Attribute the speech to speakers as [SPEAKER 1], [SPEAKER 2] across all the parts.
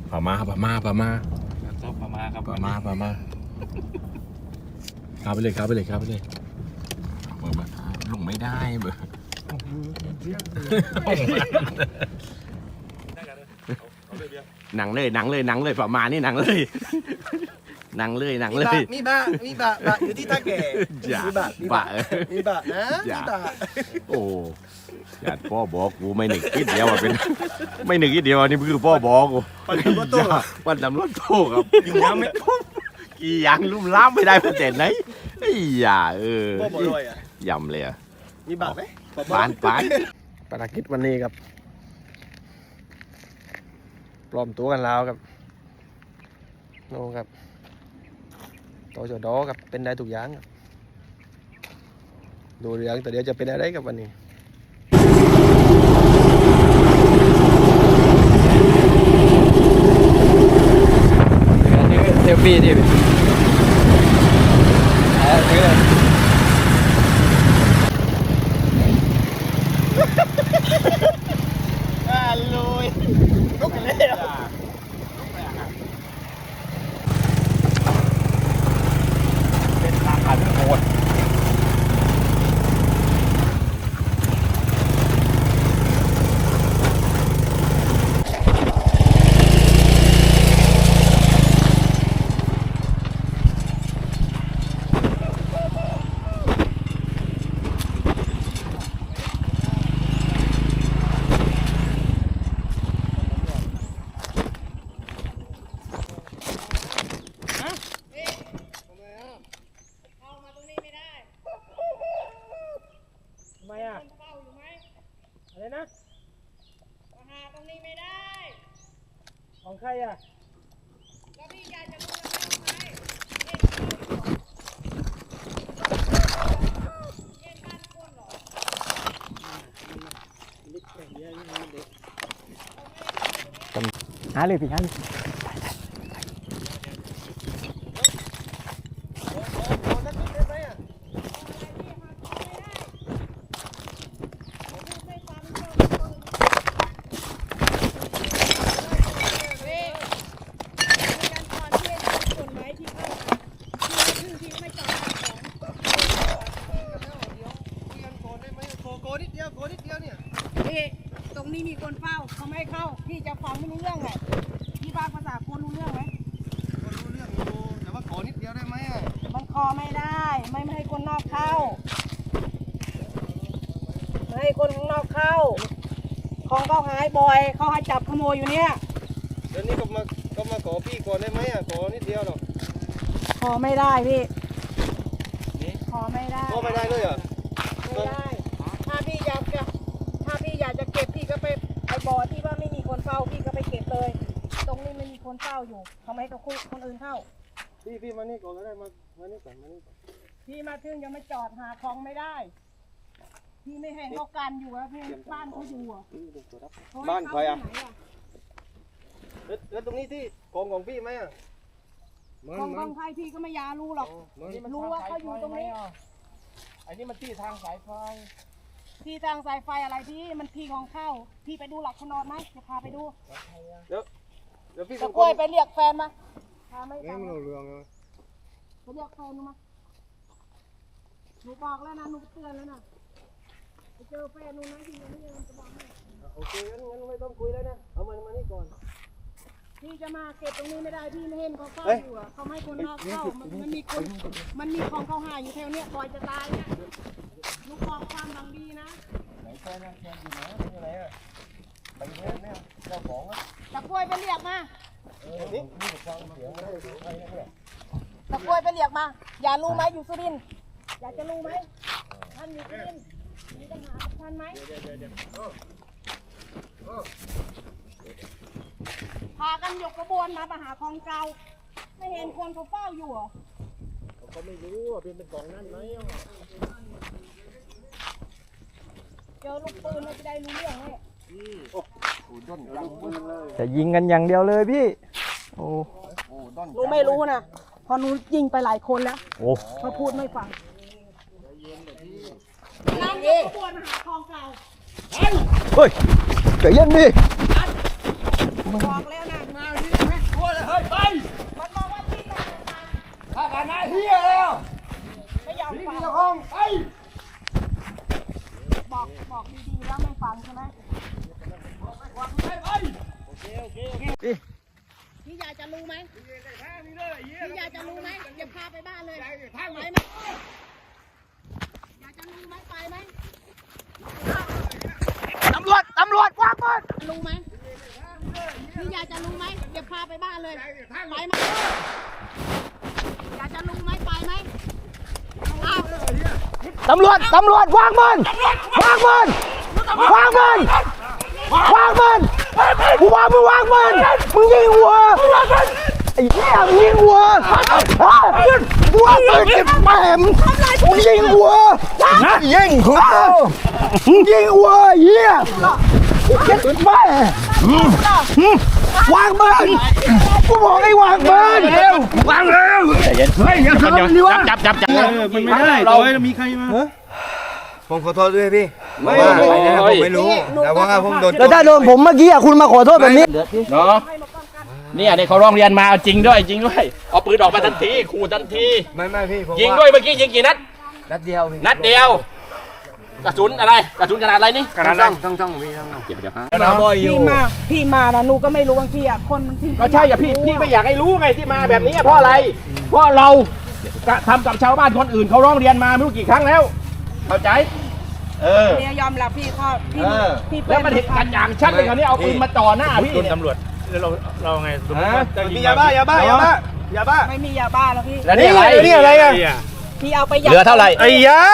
[SPEAKER 1] ปลามาครับปลามาครับ
[SPEAKER 2] ปลามาครับ
[SPEAKER 1] ข้าไปเลยเปิดมาลงไม่ได้เบอร์หนังเลยปลามานี่หนังเลย
[SPEAKER 3] มีบะอยู่ที่ท่าแก่มีบะนะมีบะ
[SPEAKER 1] โอ้ญาติพ่อบอกกูไม่หนึ่งคิดเดียวว่าเป็นไม่หนึ่งคิดเดียวนี่คือพ่อบอกกู
[SPEAKER 3] ปั่นตำรวจโต้
[SPEAKER 1] วันตำรวจโต้ครับอยู่ยังไม่ทุ่มกี่ยังลุ่มล้ำไม่ได้ประเด็นไหนไอ้ย่า
[SPEAKER 3] พ่อบอกด้วยอ่ะ
[SPEAKER 1] ยำเลยอ่ะ
[SPEAKER 3] มีบะไหม
[SPEAKER 1] ปาน
[SPEAKER 3] ภารกิจวันนี้ครับปลอมตัวกันแล้วครับโน่ครับต่อจอดอครับเป็นได้ทุกอย่างครับดูเรื่องแต่เดี๋ยวจะเป็นอะไรกับวันนี้เซลฟี่ดิลุกกันเลย
[SPEAKER 1] เป็นราคาที่โหด
[SPEAKER 3] อะไรนะ
[SPEAKER 4] หาตรงนี้ไม่ได้
[SPEAKER 3] ของใครอ่ะ
[SPEAKER 4] แล้วพี่ยายจะรู้ยังไงเย็นบ้านคนเหรอ
[SPEAKER 3] หาเลยพี่หาเลย
[SPEAKER 4] ตรงนี้มีคนเฝ้าเขาไม่ให้เข้าพี่จะฟังไม่รู้เรื่องไงพี่ฟังภาษาคนรู้เรื่องไหม
[SPEAKER 3] คนรู้เรื่องอยู่แต่ว่าขอนิดเดียวได้ไหมอ่ะ
[SPEAKER 4] มันคอไม่ได้ไม่ให้คนนอกเข้าไม่ให้คนข้างนอกเข้าของเขาหายบ่อยเขาให้จับขโมยอยู่เนี่ย
[SPEAKER 3] เดี๋ยวนี้ก็มาขอพี่ก่อนได้ไหมอ่ะขอนิดเดียวหรอก
[SPEAKER 4] ขอไม่ได้พี่ขอไม่ได้
[SPEAKER 3] ขอไม่ได้เลยเหรอ
[SPEAKER 4] ไม่ได้ถ้าพี่อยากจะเก็บพี่ก็ไปไอ้บ่อที่ว่าไม่มีคนเฝ้าพี่ก็ไปเก็บเลย ตรงนี้ไม่มีคนเฝ้าอยู่เขาไม่ให้คนอื่นเข้า
[SPEAKER 3] พี่มานี่ก่อนก็ได้มานี่ก่อน
[SPEAKER 4] พี่มาถึงยังไม่จอดหาของไม่ได้ พี่ไม่เห็นเขากันอยู่อะพี่บ้านเขาอยู่อะ
[SPEAKER 3] บ้านใครอ่ะแล้วตรงนี้ที่ของพี่ไหมอ่ะ
[SPEAKER 4] ของใครพี่ก็ไม่อยากรู้หรอกรู้ว่าเขาอยู่ตรงนี้
[SPEAKER 3] อันนี้มันที่ทางสายไฟ
[SPEAKER 4] ที่ทางสายไฟอะไรพี่มันที่ของเข้าพี่ไปดูหลักขนอนไหมจะพาไปดู
[SPEAKER 3] เดี๋ยวพี่
[SPEAKER 4] ตะกล้วยไปเรียกแฟนมาพาไม่
[SPEAKER 3] ไม่
[SPEAKER 4] ฟัง
[SPEAKER 3] รู้เรื่องเลย
[SPEAKER 4] ไปเรียกแฟนหนูมาหนูบอกแล้วนะหนูเตือนแล้วนะไปเจอแฟนหนูนะที่ยังไม่ยังจะบอกให้
[SPEAKER 3] โอเคงั้นไม่ต้องคุยแล้วนะเอามานี่ก่อน
[SPEAKER 4] พี่จะมาเก็บตรงนี้ไม่ได้พี่ไม่เห็นเขาเข้าอยู่อะเขาไม่ให้คนนอกเข้ามันมีของเขาหาอยู่แถวเนี้ยปล่อยจะตายเนี่ยลูกบอกความหวังดีนะ
[SPEAKER 3] ไหนแฟนอยู่ไหนอยู่ไหนอ่ะไปเนี่ยเจ้าของอ่ะ
[SPEAKER 4] ตะกล้วยไปเรียกมา
[SPEAKER 3] นี่ฟังเสียงไม่ได้ดูใครเนี่ย
[SPEAKER 4] ตะกล้วยไปเรียกมาอย่ารู้ไหมอยู่สุรินทร์อยากจะรู้ไหมท่านอยู่สุรินทร์มีปัญหากับท่านไหมพากันยกกระบวนมาหาของเก่าไม่เห็นคนเขาเฝ้าอยู่เหรอ
[SPEAKER 3] เขาไม่รู้ว่าเป็นกล่องนั่นไหม
[SPEAKER 4] เจอลูกปืนเราจะได้รู้เรื่องเลย
[SPEAKER 3] จะยิงกันอย่างเดียวเลยพี่โอ้
[SPEAKER 4] รู้ไม่รู้นะพอหนูยิงไปหลายคนแล้ว
[SPEAKER 3] โอ้
[SPEAKER 4] มาพูดไม่ฟังนั่งยกขบวนหาของเก่า
[SPEAKER 3] เฮ้ยใจเย็นดิ
[SPEAKER 4] บอกแล้วนะมาที่พี่ยายจะรู้ไหมพี่ยายจะรู้ไหมจะพาไปบ้านเลยไปไหมยายจะรู้ไหมไปไหมตำรวจวางปืนรู้ไหมพี่ยายจะรู้ไหมจะพาไปบ้านเลยไปไหมยายจะรู้ไหมไปไหม
[SPEAKER 3] ตำรวจวางปืนกูว่ามึงวางปืนมึงยิงหัวไอ้เหี้ยมึงยิงหัวกูว่าปืนเก็บแหมมึงยิงหัวยิงหัวมึงยิงหัวเหี้ยเก็บแม่วางปืนกูบอกให้วางปืนวางเร็วเฮ้ยอย่าทำนี่วะจับ
[SPEAKER 2] มันไม่ได้เรามีใครมา
[SPEAKER 5] ผมขอโทษด้วยพี่ไม่ผมไม่รู้แต่ว่าผมโดน
[SPEAKER 3] แล้วถ้าโดนผมเมื่อกี้คุณมาขอโทษแบบนี้
[SPEAKER 1] เนาะเนี่ยเขาร้องเรียนมาจริงด้วยเอาปืนออกมาทันทีขู่ทันที
[SPEAKER 5] ไม่พี่ผม
[SPEAKER 1] ยิงด้วยเมื่อกี้ยิงกี่นัด
[SPEAKER 5] นัดเดียวพี่
[SPEAKER 1] นัดเดียวกระสุนอะไรกระสุนขนาดอะไรนี่
[SPEAKER 5] กระดาษต้องพี่ต้อง
[SPEAKER 1] เก็บเดี๋ยวฮะ
[SPEAKER 4] พี่มานะหนูก็ไม่รู้บางทีอ่ะคนที่
[SPEAKER 1] ก็ใช่อย่าพี่ไม่อยากให้รู้ไงที่มาแบบนี้เพราะอะไรเพราะเราทำกับชาวบ้านคนอื่นเขาร้องเรียนมาไม่รู้กี่ครั้งแล้วเข้าใจ
[SPEAKER 4] เนี่ยยอมรับพี่ข้อพี่
[SPEAKER 1] แล้วมันเห็นกันอย่างชัดเลยคราวนี้เอาปืนมาจ่อหน้าพี่
[SPEAKER 2] ตำรวจแล้วเราไง
[SPEAKER 5] มียาบ้า
[SPEAKER 4] ไม่มียาบ้าแล้วพี่
[SPEAKER 1] แล้วนี่อะไรอ่ะ
[SPEAKER 4] พี่เอาไปเห
[SPEAKER 1] ลือเท่าไหร่
[SPEAKER 5] ไอ้ยา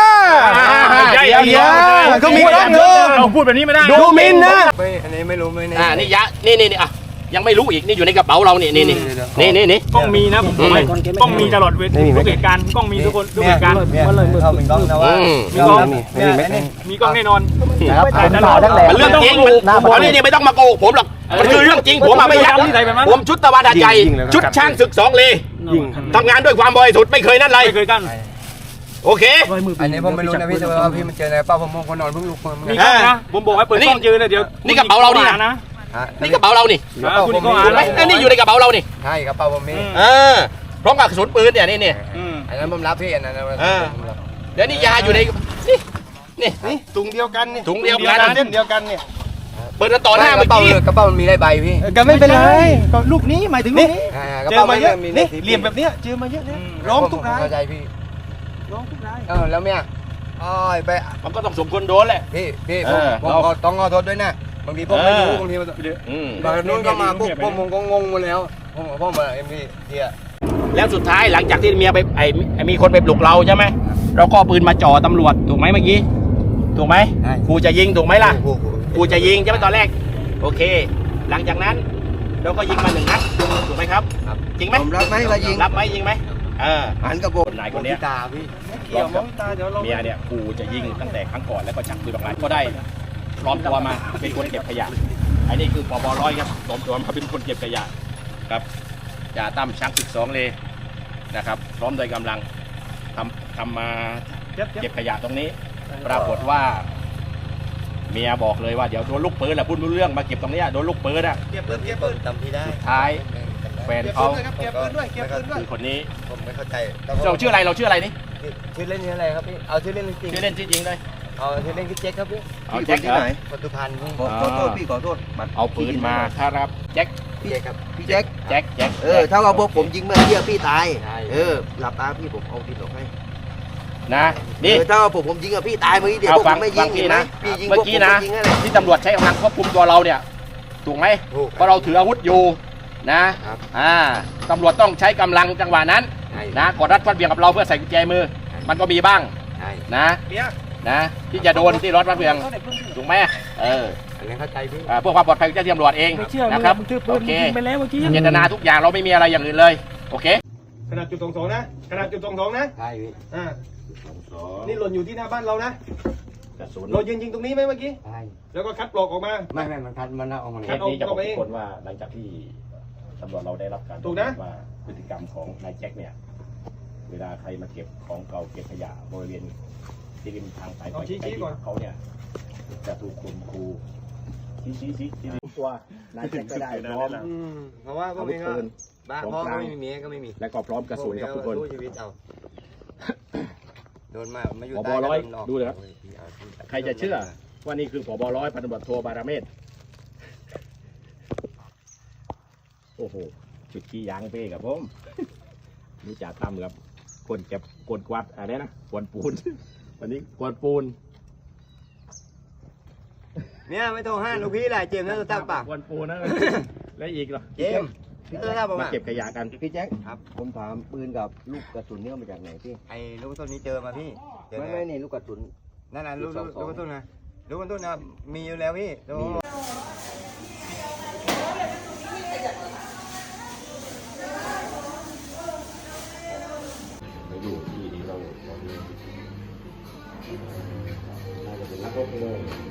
[SPEAKER 5] เขามีกล้องเนอะ
[SPEAKER 2] เราพูดแบบนี้ไม่ได้
[SPEAKER 5] ดูมินนะอันนี้ไม่รู้ไม่แน่
[SPEAKER 1] นี่ยะนี่อ่ะยังไม่รู้อีกนี่อยู่ในกระเป๋าเรานี่
[SPEAKER 2] กล้องมีนะผมบอกเลยกล้องมีตลอดเวลาทุกเหตุการณ์กล้องมีทุกคนทุกเหตุการณ์
[SPEAKER 5] เขาเป็นกล้องนะว่า
[SPEAKER 2] มีกล้องมีกล้องแน่นอน
[SPEAKER 1] มันเรื่องจริงอันนี้ไม่ต้องมาโกหกผมหรอกมันคือเรื่องจริงผมไม่ยักผมชุดตะวันหาใจชุดช่างศึก2 เลทำงานด้วยความบริสุทธิ์ไม่เคยนั่นไร
[SPEAKER 2] ไม่เคยกัน
[SPEAKER 1] โอเค
[SPEAKER 5] อันนี้ผมไม่รู้นะพี่แต่ว่าพี่มันเจอในป้าผมมองคนนอนเพิ่งลุกมา
[SPEAKER 2] มีกล้องนะผมบอกให้เปิดกล้องยืนเลยเดี๋ยว
[SPEAKER 1] นี่กระเป๋าเรานี่นะนี่กระเป๋าเรานี่
[SPEAKER 2] คุณก็อ่า
[SPEAKER 1] ถูกไหมนี่อยู่ในกระเป๋าเรานี่
[SPEAKER 5] ใช่กระเป๋าผมมี
[SPEAKER 1] พร้อมกับกระสุนปืนเนี่ยนี่
[SPEAKER 5] อันนั้นผมรับพี่อันนั้น
[SPEAKER 1] แล้วนี่ยาอยู่ในนี่
[SPEAKER 5] ถุงเดียวกันนี่
[SPEAKER 1] ถุงเดียวกัน
[SPEAKER 5] เส้นเดียวกันเนี่ย
[SPEAKER 1] เปิดต่อหน้าเมื่อกี้
[SPEAKER 5] กระเป๋ามันมีได้ใบพี่
[SPEAKER 3] ก็ไม่เป็นไรก็ลูกนี้หมายถึงลูกนี้
[SPEAKER 5] เจอมาเยอะนี่
[SPEAKER 3] เหลี่ยมแบบเนี้ยเจอมาเยอะนะร้องทุกราย
[SPEAKER 5] เข้าใจพี่
[SPEAKER 3] ร้องทุกราย
[SPEAKER 5] แล้วเมียไป
[SPEAKER 1] มันก็ต้องสมควรโดนแหละ
[SPEAKER 5] พี่ผมต้องขอโทษด้วยนะบางทีผมไม่รู้บางทีบางนู้นก็มาปุ๊บผมก็งงหมดแล้วผมมาเอ็มพี่เฮีย
[SPEAKER 1] แล้วสุดท้ายหลังจากที่เมียไปมีคนไปปลุกเราใช่ไหมเราก็ปืนมาจ่อตำรวจถูกไหมเมื่อกี้ถูกไหมกูจะยิงถูกไหมล่ะกูจะยิงใช่ไหมตอนแรกโอเคหลังจากนั้นเราก็ยิงมา1 นัดถูกไหมครับจริงไหม
[SPEAKER 5] ผมรับไหมเรายิง
[SPEAKER 1] รับไหมยิงไหม
[SPEAKER 5] หันกระบอก
[SPEAKER 1] นายคนนี้
[SPEAKER 5] ตาพี่
[SPEAKER 3] เกี่ยวมองตาเดี๋ยวเรา
[SPEAKER 1] เมียเนี่ยกูจะยิงตั้งแต่ครั้งก่อนแล้วก็ชักปืนออกมาก็ได้พร้อมตัวมาเป็นคนเก็บขยะอันนี้คือปบ.100ครับปลอมตัวมาเป็นคนเก็บขยะครับจ่าตั้มชัก12 เลนะครับพร้อมโดยกำลังทำมาเก็บขยะตรงนี้ปรากฏว่าเมียบอกเลยว่าเดี๋ยวโดนลูกปืนแหละพูดรู้เรื่องมาเก็บตรงนี้โดนลูกปืนอ่ะ
[SPEAKER 5] เก็บปืนจำพี่ได้
[SPEAKER 1] สุดท้ายแฟนเขา
[SPEAKER 5] เก็บปืนด้วย
[SPEAKER 1] คือคนนี้
[SPEAKER 5] ผมไม่เข้าใจ
[SPEAKER 1] เราชื่ออะไรนี่
[SPEAKER 5] ชื่อเล่นนี่อะไรครับพี่เอาชื่อเล่นจริง
[SPEAKER 1] ชื่อเล่นชื่อจริงเลย
[SPEAKER 5] เอาชื่อเล่นคือแจ็คครับพี่
[SPEAKER 1] เอาแจ็คที่ไหน
[SPEAKER 5] ปัจจุบันพี่
[SPEAKER 3] ขอโทษพี่ขอโทษ
[SPEAKER 1] เอาปืนมาครับแจ็ค
[SPEAKER 5] พี่แจ็คครับ
[SPEAKER 3] พี่แจ็ค
[SPEAKER 1] แจ็ค
[SPEAKER 3] ถ้าว่าพวกผมยิงเมื่อกี้พี่ตายหลับตาพี่ผมเอาดินออกให้
[SPEAKER 1] นะนี่
[SPEAKER 3] ถ้าว่าผมยิงกับพี่ตายเมื่อกี้เดี๋ยวพวกผมไม่ยิงเห็นไหมพี่ยิง
[SPEAKER 1] เมื่อกี้นะที่ตำรวจใช้กำลังควบคุมตัวเราเนี่ยถูกไหมเพราะเราถืออาวุธอยู่นะตำรวจต้องใช้กำลังจังหวะนั้นนะกดรัดฟัดเบี่ยงกับเราเพื่อใส่กุญแจมือมันก็มีบ้างนะที่จะโดนที่รถฟัดเบี่ยงถูกไหม
[SPEAKER 5] อันนี้เข้าใจพี่
[SPEAKER 1] เพื่อความปลอดภัยของเจ้าหน้าที่ตำรวจเองนะครับโอเคเจตนาทุกอย่างเราไม่มีอะไรอย่างอื่นเลยโอเค
[SPEAKER 6] ขนาดจุด22นะขนาดจุด22นะ
[SPEAKER 5] ใช่พี่
[SPEAKER 6] นี่หล่นอยู่ที่หน้าบ้านเรานะ
[SPEAKER 1] กระสุน
[SPEAKER 6] เรายืนยิงตรงนี้ไหมเมื่อกี้
[SPEAKER 5] ใช่
[SPEAKER 6] แล้วก็คัดปลอกออกมา
[SPEAKER 5] ไม่มันทันมันเอามา
[SPEAKER 1] เคสนี้จะบอกทุกคนว่าหลังจากที่ตำรวจเราได้รับการ
[SPEAKER 6] ถูกนะ
[SPEAKER 1] ว่าพฤติกรรมของนายแจ็คเนี่ยเวลาใครมาเก็บของเก่าเก็บขยะบริเวณที่ริมทางสายไฟเขาเนี่ยจะถูกข่มขู่ชี้ตัวนายแจ็คก็ได้พร้อม
[SPEAKER 5] เพราะว่าพวกนี้ก็บ้าพ่อก็ไม่มีเมียก็ไม่มี
[SPEAKER 1] และก็พร้อมกระสุนครับทุกคน
[SPEAKER 5] ชีวิตเอาโดนมาอยู่
[SPEAKER 1] ผบ.100ดูเลยครับใครจะเชื่อว่านี่คือผบ.100 พันตำรวจโทบารเมศโอ้โหจุดขี้ยางเป้กับผมนี่จ่าตั้มครับคนเก็บกวนกวาดอะไรนะกวนปูน วันนี้กวนปูน
[SPEAKER 5] เนี่ยไม่ต้องห้าลูกพี่แหละเจมส์น่าจะตั้งปาก
[SPEAKER 1] กวนปูนนะ แล้วอีกเหรอ
[SPEAKER 5] เจมส์พี่ตั้งปาก
[SPEAKER 1] มาเก็บขยะกัน
[SPEAKER 3] พี่แจ็คครับผมถามปืนกับลูกกระสุนเนี่ยมาจากไหนพี่
[SPEAKER 5] ไอ้ลูกต้นนี้เจอมาพี่เจอ
[SPEAKER 3] ไม่นี่ลูกกระสุน
[SPEAKER 5] นั่นน่ะลูกต้นนะลูกต้นนะมีอยู่แล้วพี่
[SPEAKER 1] มาอยู่ที่นี้เราตอนนี้น่าจะเป็นนักรบเลย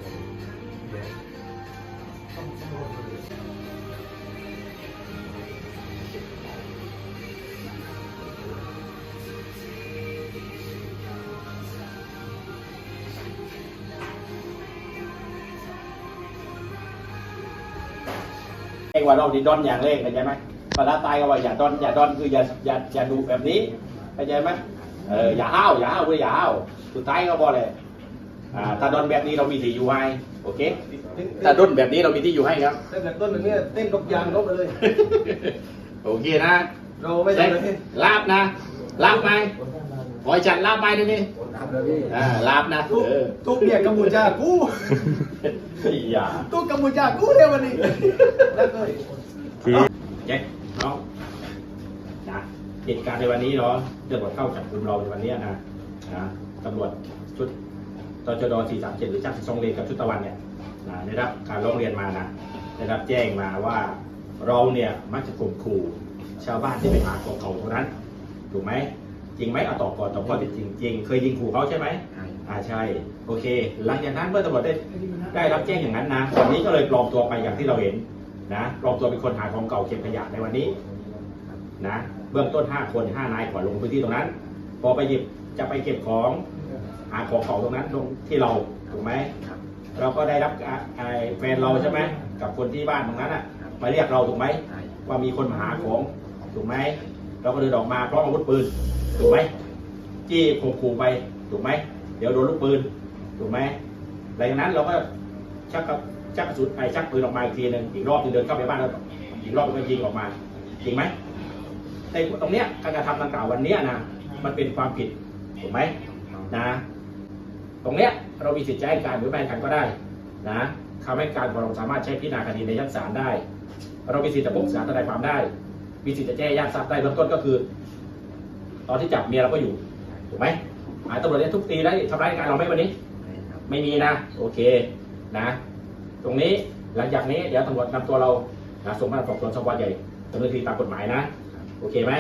[SPEAKER 1] เองว่าเราดีดอนอย่างเร่งเข้าใจไหมภาษาใต้ก็ว่าอย่าดอนคืออย่าดูแบบนี้เข้าใจไหมอย่าห้าวคืออย่าห้าวสุดท้ายก็บอกเลยถ้าดอนแบบนี้เรามีที่อยู่ให้โอเคถ้าดอนแบบนี้เรามีที่อยู่ให้ครับ
[SPEAKER 6] เต้นแบบต้นแบบนี้เต้นกับยางลบไปเลย
[SPEAKER 1] โอเคนะ
[SPEAKER 6] เราไม่ใช่เลย
[SPEAKER 1] ลาบนะลาบไหมขอให้จัดลาบไปด้วยนี่ลาบนะ
[SPEAKER 6] ทุกเนี่ยกัมพูชากู
[SPEAKER 1] อย่า
[SPEAKER 6] ทุกกัมพูชากูเนี่ยวันนี้แล้วก็
[SPEAKER 1] แจ็คน้องนะเหตุการณ์ในวันนี้เนาะตำรวจเข้าจับกลุ่มเราในวันนี้นะตำรวจชุดตชด437หรือจักรทรงเลนกับชุดตะวันเนี่ยได้รับการร้องเรียนมานะได้รับแจ้งมาว่าเราเนี่ยมักจะข่มขู่ชาวบ้านที่ไปหาของเขาเท่านั้นถูกไหมจริงไหมเอาตอบก่อนตอบข้อเท็จจริงจริงเคยยิงขู่เขาใช่ไหมใช่โอเคหลังจากนั้นเมื่อตำรวจได้รับแจ้งอย่างนั้นนะวันนี้ก็เลยปลอมตัวไปอย่างที่เราเห็นนะปลอมตัวเป็นคนหาของเก่าเก็บขยะในวันนี้นะเบื้องต้น5 คน 5 นายก่อนลงพื้นที่ตรงนั้นพอไปหยิบจะไปเก็บของหาของเก่าตรงนั้นตรงที่เราถูกไหมเราก็ได้รับแฟนเราใช่ไหมกับคนที่บ้านตรงนั้นอ่ะมาเรียกเราถูกไหมว่ามีคนมาหาของถูกไหมเราก็เดินออกมาพร้อมอาวุธปืนถูกไหมจี้ข่มขู่ไปถูกไหมเดี๋ยวโดนลูกปืนถูกไหมหลังจากนั้นเราก็ชักกระสุนชักปืนออกมาอีกทีนึงอีกรอบนึงเดินเข้าไปบ้านแล้วอีกรอบก็ยิงออกมาจริงไหมในตรงเนี้ยการกระทำดังกล่าววันนี้นะมันเป็นความผิดถูกไหมนะตรงเนี้ยเรามีสิทธิ์จะให้การหรือไม่ให้การก็ได้นะคำให้การของเราสามารถใช้พิจารณาคดีในชั้นศาลได้เรามีสิทธิ์จะปรึกษาทนายความได้มีสิทธิ์จะแจ้งญาติทราบได้เบื้องต้นก็คือ ตอนที่จับเมียเราก็อยู่ถูกไหมตำรวจเนี่ยทุบตีได้ทำร้ายร่างกายเราไหมวันนี้ไม่มีนะโอเคนะตรงนี้หลังจากนี้เดี๋ยวตำรวจนำตัวเราส่งพนักงานสอบสวนสพใหญ่ดำเนินคดีตามกฎหมายนะโอเคไหม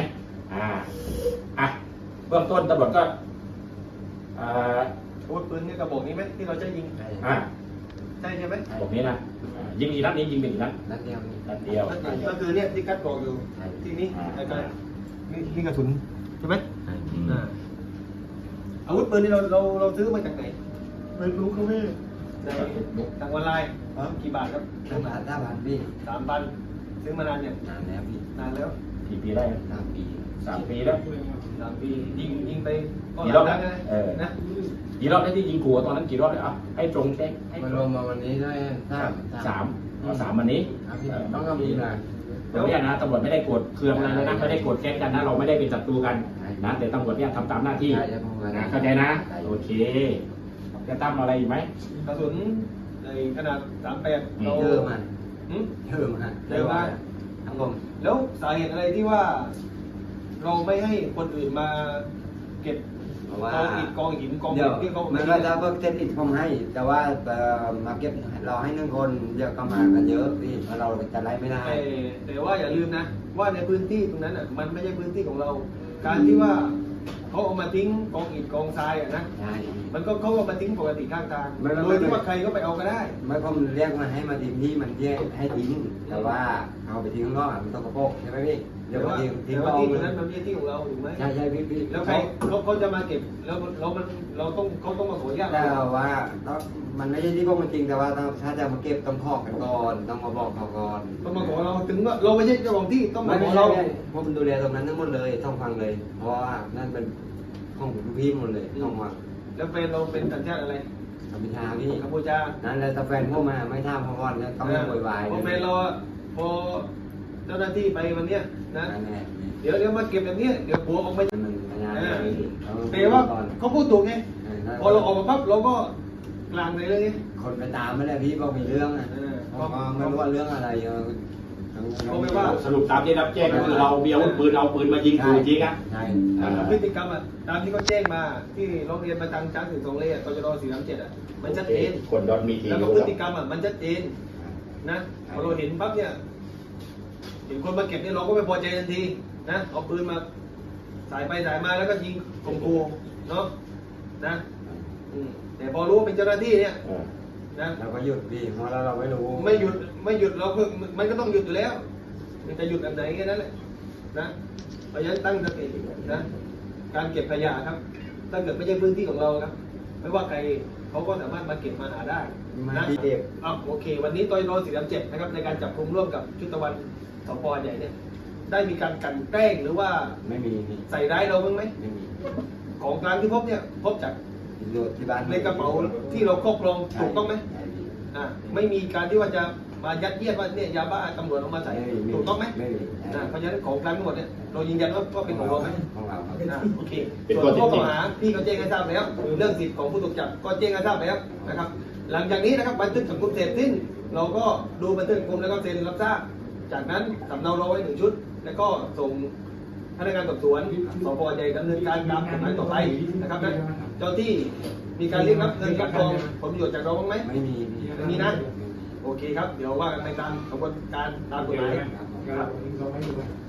[SPEAKER 1] เบื้องต้นตำรวจก็
[SPEAKER 6] อาวุธปืนนี่กระบอกนี้ไหมที่เราจะยิงใช่ไหม
[SPEAKER 1] บอกนี้นะยิงกี่นัดนี้ยิงเป็นกี่นัด
[SPEAKER 5] นัดเดียว
[SPEAKER 1] นัดเดียว
[SPEAKER 6] ก็คือเนี่ยที่กัดบอกอยู่ที่นี่แล้วก็นี่กระสุนใช่ไหมอาวุธปืนนี่เราซื้อมาจากไหนไม่รู้ครับพี่ในทางออนไลน์กี่บาทครับ
[SPEAKER 5] 5 บาทพี่
[SPEAKER 6] 3,000ซื้อมานานเนี่ย
[SPEAKER 5] นานแล้วพี่
[SPEAKER 6] นานแล้ว
[SPEAKER 1] กี่ปีได้
[SPEAKER 5] 3 ปี
[SPEAKER 1] 3 ปีแล้ว
[SPEAKER 6] 3 ปียิงไป
[SPEAKER 1] กี่รอบ
[SPEAKER 6] แล้ว
[SPEAKER 1] นะกี่รอบได้ที่ยิงขู่ตอนนั้นกี่รอบเลยให้ตรงแจ้งให้
[SPEAKER 5] มารวมมาวันนี้ได้
[SPEAKER 1] 3วันนี้
[SPEAKER 5] พี่ต้องก็มีนะ
[SPEAKER 1] ตรงนี้นะตำรวจไม่ได้โกรธเคืองอะไรนะไม่ได้โกรธแค้นกันนะเราไม่ได้เป็นศัตรูกันนะแต่ตำรวจเนี่ยทำตามหน้าที่นะเข้าใจนะโอเคจะตั้มอะไรอีกไหม
[SPEAKER 6] กระสุนในขนาด38เรา
[SPEAKER 5] เยอะมาก
[SPEAKER 6] เยอะมาก
[SPEAKER 5] ครับผม
[SPEAKER 6] แล้วสาเหตุอะไรที่ว่า เราไม่ให้คนอื่นมาเก็บ
[SPEAKER 5] เพราะว่า
[SPEAKER 6] กองหินกอง
[SPEAKER 5] เดี๋ยว
[SPEAKER 6] ที่เขา
[SPEAKER 5] มันก็จะเพิ่มเทคนิคผมให้ แต่ว่ามาเก็บเราให้1 คนเยอะก็มากันเยอะพี่เพราะเราจะไล่ไม่ได้
[SPEAKER 6] แต่ว่าอย่าลืมนะ ว่าในพื้นที่ตรงนั้นอ่ะมันไม่ใช่พื้นที่ของเรา การที่ว่าเขาเอามาทิ้งกองอิฐกองทรายอ่ะนะ
[SPEAKER 5] ใช่
[SPEAKER 6] มันก็เขาเอามาทิ้งปกติข้างทาง
[SPEAKER 5] ไม่
[SPEAKER 6] โดยที่ว่าใครก็ไปเอาก็ได้
[SPEAKER 5] ไม่ผมเรียกมาให้มาทิ้งที่มันแยกให้ทิ้ง แต่ว่าเอาไปทิ้งข้างนอกมันต้องกระโปงใช่ไหมพี่เดี๋ยว
[SPEAKER 6] แต่
[SPEAKER 5] มา
[SPEAKER 6] ว่า
[SPEAKER 5] ทิ้ง
[SPEAKER 6] แต่
[SPEAKER 5] ก็
[SPEAKER 6] ว่า
[SPEAKER 5] เอา
[SPEAKER 6] ที่ตรงนั้นมันไม่ใช่ที่ของเราถูกไหม
[SPEAKER 5] ใช่พี่
[SPEAKER 6] แล้วใครเขาจะมาเก็บแล้วเราต้องมาขออนุญาต
[SPEAKER 5] แต่ว่ามันไม่ใช่ที่พวกมันจริงแต่ว่าถ้าจะมาเก็บต้องขอกันก่อนต้องมาบอกเขาก่อน
[SPEAKER 6] ต้องมาขอเราถึงว่าเราไม่ใช่เจ้าของที่ต้องมา
[SPEAKER 5] ไม่
[SPEAKER 6] ขอ
[SPEAKER 5] เรา
[SPEAKER 6] เรา
[SPEAKER 5] ผมดูแลตรงนั้นทั้งหมดเลยต้องฟังเลย เพราะว่านั่นเป็นของลูกพี่หมดเลยต้องมา
[SPEAKER 6] แล้วแฟนเราเป็นสัญชาติอะไร
[SPEAKER 5] กัมพูชาพี่
[SPEAKER 6] กัมพูชา
[SPEAKER 5] นั่นแหละแต่แฟนพวกมาไม่ทำเขาก่อนแล้วต้องไม่โวยวาย
[SPEAKER 6] พอแฟนเราพอเจ้าจ้าหน้าที่ไปวันเนี้ยนะเดี๋ยวมาเก็บแบบเนี้ยเดี๋ยวผัวออกมาแต่ว่าเขาพูดถูกไงพอเราออกมาปั๊บเราก็กลางเลยไง
[SPEAKER 5] คนไปตามไม่ได้พี่บอกมีเรื่องอ่ะไม่รู้ว่าเรื่องอะไร
[SPEAKER 6] เขาไม่ว่า
[SPEAKER 1] สรุปตามที่รับแจ้งก็คือเรามีอาวุธปืนเอาปืนมายิงขู่จริงอ่ะ
[SPEAKER 5] ใช่
[SPEAKER 6] พฤติกรรมอ่ะตามที่เขาแจ้งมาที่โรงเรียนประจังช้างถึง2 เล่ตจร437อ่ะมันชัดเจน
[SPEAKER 1] คนดอนมีที
[SPEAKER 6] แล้วก็พฤติกรรมอ่ะมันชัดเจนนะพอเราเห็นปั๊บเนี่ยเห็นคนมาเก็บเนี่ยเราก็ไม่พอใจทันทีนะเอาปืนมาสายไปสายมาแล้วก็ยิงข่มขู่เนาะนะแต่พอรู้ว่าเป็นเจ้าหน้าที่เนี่ยนะ
[SPEAKER 5] เราก็หยุดพี่เพราะเราไม่รู้
[SPEAKER 6] ไม่หยุดเราคือมันก็ต้องหยุดอยู่แล้วมันจะหยุดแบบไหนแค่นั้นแหละนะเพราะฉะนั้นตั้งสตินะการเก็บขยะครับถ้าเกิดไม่ใช่พื้นที่ของเราครับไม่ว่าใครเขาก็สามารถมาเก็บมาหาได้นะโอเค วันนี้ตอย437นะครับในการจับกุมร่วมกับชุดตะวันสปใหญ่เนี่ยได้มีการกลั่นแกล้งหรือว่า
[SPEAKER 5] ไม่มี
[SPEAKER 6] ใส่ร้ายเราบ้างไหม
[SPEAKER 5] ไม่มี
[SPEAKER 6] ของกลางที่พบเนี่ยพบจาก
[SPEAKER 5] ที่บ้าน
[SPEAKER 6] ในกระเป๋าที่เราครอบครองถูกต้องไหมไม่มีการที่ว่าจะมายัดเยียดว่าเนี่ยยาบ้าตำรวจเอามาใส่ถูกต้องไหม
[SPEAKER 5] ไม่มี
[SPEAKER 6] เพราะฉะนั้นของกลางทั้งหมดเนี่ยเรายืนยันว่าเป็นของเราไหม
[SPEAKER 5] ของเรา
[SPEAKER 6] โอเคส่วนข้อกล่าวหาพี่ก็แจ้งให้ทราบแล้วเรื่องสิทธิ์ของผู้ถูกจับก็แจ้งให้ทราบแล้วนะครับหลังจากนี้นะครับบันทึกจับกุมเสร็จสิ้นเราก็ดูบันทึกจับกุมแล้วก็เซ็นรับทราบจากนั้นสำเนาเราไว้1 ชุดแล้วก็ส่งพนักงานสอบสวนสพใหญ่ดำเนินการตามกฎหมายต่อไปนะครับนะเจ้าที่มีการเรียกรับเงินกับกองผลประโยชน์จากเราบ้างไหม
[SPEAKER 5] ไม่มี
[SPEAKER 6] ไม่มีนะโอเคครับเดี๋ยวว่ากันในการกระบวนการตามกฎหมายครับ